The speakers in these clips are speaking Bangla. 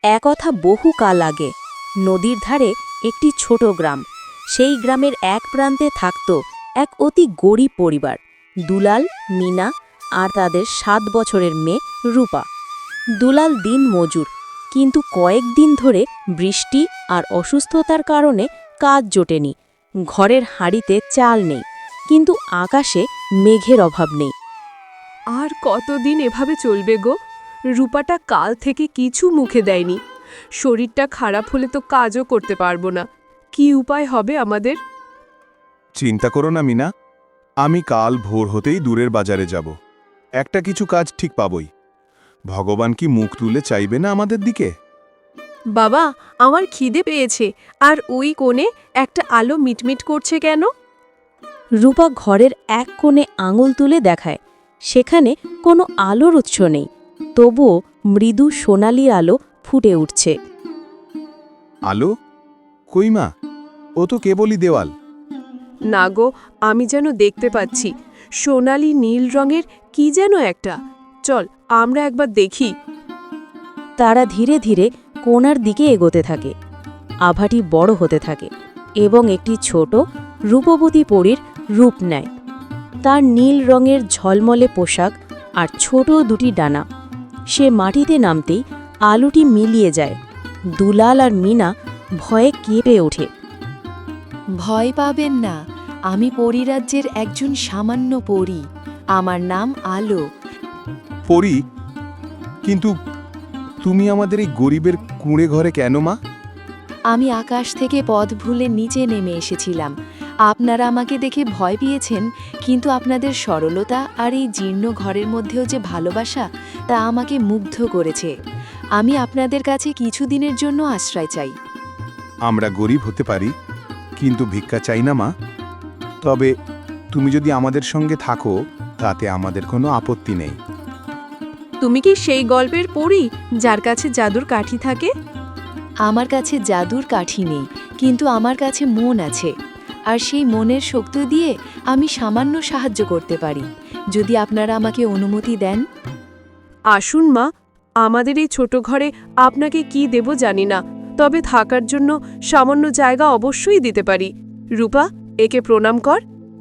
একথা বহু কাল আগে নদীর ধারে একটি ছোট গ্রাম। সেই গ্রামের এক প্রান্তে থাকত এক অতি গরিব পরিবার, দুলাল, মিনা আর তাদের 7 বছরের মেয়ে রূপা। দুলাল দিন মজুর, কিন্তু কয়েকদিন ধরে বৃষ্টি আর অসুস্থতার কারণে কাজ জোটেনি। ঘরের হাঁড়িতে চাল নেই, কিন্তু আকাশে মেঘের অভাব নেই। আর কতদিন এভাবে চলবে গো? রূপাটা কাল থেকে কিছু মুখে দেয়নি। শরীরটা খারাপ হলে তো কাজও করতে পারবো না। কি উপায় হবে আমাদের? চিন্তা করো না মিনা, আমি কাল ভোর হতেই দূরের বাজারে যাব। একটা কিছু কাজ ঠিক পাবই। ভগবান কি মুখ তুলে চাইবে না আমাদের দিকে? বাবা, আমার খিদে পেয়েছে। আর ওই কোণে একটা আলো মিটমিট করছে কেন? রূপা ঘরের এক কোণে আঙুল তুলে দেখায়। সেখানে কোনো আলোর উৎস নেই, তবুও মৃদু সোনালি আলো ফুটে উঠছে। আলো? কই মা, ও তো কেবলই দেওয়াল। না গো, আমি যেন দেখতে পাচ্ছি সোনালি নীল রঙের কি যেন একটা। চল আমরা একবার দেখি। তারা ধীরে ধীরে কোণার দিকে এগোতে থাকে। আভাটি বড় হতে থাকে এবং একটি ছোট রূপবতী পরীর রূপ নেয়। তার নীল রঙের ঝলমলে পোশাক আর ছোট দুটি ডানা। সে মাটিতে নামতেই আলোটি মিলিয়ে যায়। দুলাল আর মিনা ভয়ে কেঁপে ওঠে। ভয় পাবেন না, আমি পরিরাজ্যের একজন সামান্য পরী। আমার নাম আলো। পরি, কিন্তু তুমি আমাদের এই গরিবের কুঁড়ে ঘরে কেন মা? আমি আকাশ থেকে পথ ভুলে নিচে নেমে এসেছিলাম। আপনারা আমাকে দেখে ভয় পেয়েছেন, কিন্তু আপনাদের সরলতা আর এই জীর্ণ ঘরের মধ্যেও যে ভালোবাসা, তা আমাকে মুগ্ধ করেছে। আমি আপনাদের কাছে কিছুদিনের জন্য আশ্রয় চাই। আমরা গরিব হতে পারি, কিন্তু ভিক্ষা চাই না মা। তবে তুমি যদি আমাদের সঙ্গে থাকো, তাতে আমাদের কোনো আপত্তি নেই। তুমি কি সেই গল্পের পড়ি যার কাছে জাদুর কাঠি থাকে? আমার কাছে জাদুর কাঠি নেই, কিন্তু আমার কাছে মন আছে। আর সেই মনের শক্তি দিয়ে আমি সামান্য সাহায্য করতে পারি, যদি আপনারা আমাকে অনুমতি দেন। আসুন মা, আমাদের এই ছোট ঘরে আপনাকে কি দেব জানি না, তবে থাকার জন্য সামান্য জায়গা অবশ্যই দিতে পারি। রূপা, একে প্রণাম কর।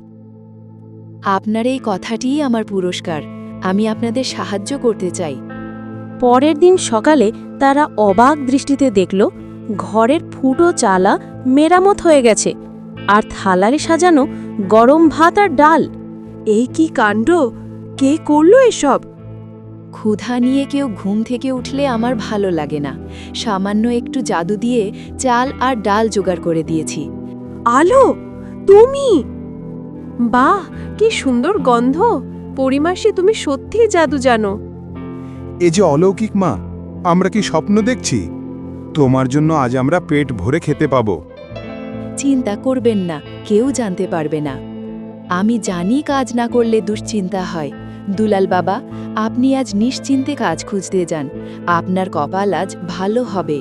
আপনার এই কথাটিই আমার পুরস্কার। আমি আপনাদের সাহায্য করতে চাই। পরের দিন সকালে তারা অবাক দৃষ্টিতে দেখল ঘরের ফুটো চালা মেরামত হয়ে গেছে, আর থালারে সাজানো গরম ভাত আর ডাল। এই কি কাণ্ড! কে করলো এসব? ক্ষুধা নিয়ে কেউ ঘুম থেকে উঠলে আমার ভালো লাগে না। সামান্য একটু জাদু দিয়ে চাল আর ডাল জোগাড় করে দিয়েছি। আলো, তুমি? বাহ, কি সুন্দর গন্ধ! পরিমাসে তুমি সত্যিই জাদু জানো। এ যে অলৌকিক মা, আমরা কি স্বপ্ন দেখছি? তোমার জন্য আজ আমরা পেট ভরে খেতে পাবো। চিন্তা করবেন না, কেউ জানতে পারবে না। আমি জানি কাজ না করলে দুশ্চিন্তা হয়। দুলাল বাবা, আপনি আজ নিশ্চিন্তে কাজ খুঁজতে যান। আপনার কপাল আজ ভালো হবে।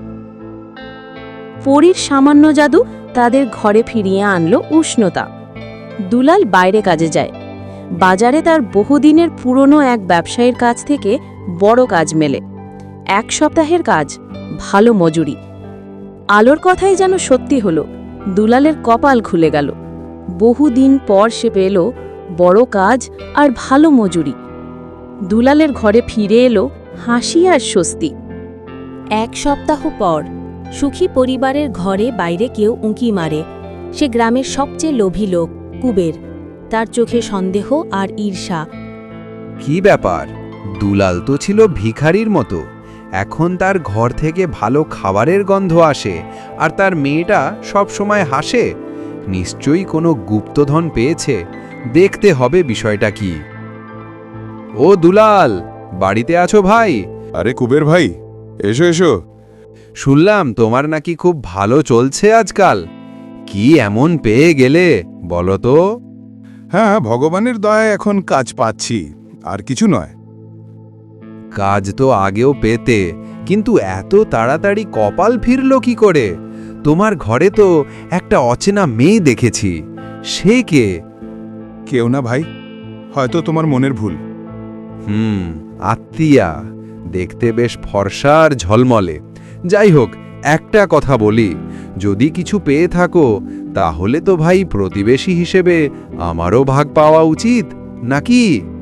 পরীর সামান্য জাদু তাদের ঘরে ফিরিয়ে আনলো উষ্ণতা। দুলাল বাইরে কাজে যায়। বাজারে তার বহুদিনের পুরনো এক ব্যবসায়ীর কাছ থেকে বড় কাজ মেলে। 1 সপ্তাহের কাজ, ভালো মজুরি। আলোর কথাই যেন সত্যি হলো। দুলালের কপাল খুলে গেল। বহুদিন পর সে পেল বড় কাজ আর ভালো মজুরি। দুলালের ঘরে ফিরে এলো হাসি আর স্বস্তি। 1 সপ্তাহ পর সুখী পরিবারের ঘরে বাইরে কেউ উঁকি মারে। সে গ্রামের সবচেয়ে লোভী লোক, কুবের। তার চোখে সন্দেহ আর ঈর্ষা। কি ব্যাপার? দুলাল তো ছিল ভিখারির মতো, এখন তার ঘর থেকে ভালো খাবারের গন্ধ আসে, আর তার মেয়েটা সব সময় হাসে। নিশ্চয়ই কোনো গুপ্তধন পেয়েছে। দেখতে হবে বিষয়টা কি। ও দুলাল, বাড়িতে আছো ভাই? আরে কুবের ভাই, এসো এসো। শুনলাম তোমার নাকি খুব ভালো চলছে আজকাল। কি এমন পেয়ে গেলে বলো তো? হ্যাঁ, ভগবানের দয়ায় এখন কাজ পাচ্ছি, আর কিছু নয়। কাজ তো আগেও পেতে, কিন্তু এত তাড়াতাড়ি কপাল ফিরল কি করে? তোমার ঘরে তো একটা অচেনা মেয়ে দেখেছি। সে কে? কেউ না ভাই, হয়তো তোমার মনের ভুল। আত্মীয়া। দেখতে বেশ ফর্সা আর ঝলমলে। যাই হোক, একটা কথা বলি, যদি কিছু পেয়ে থাকো তাহলে তো ভাই প্রতিবেশী হিসেবে আমারও ভাগ পাওয়া উচিত, নাকি?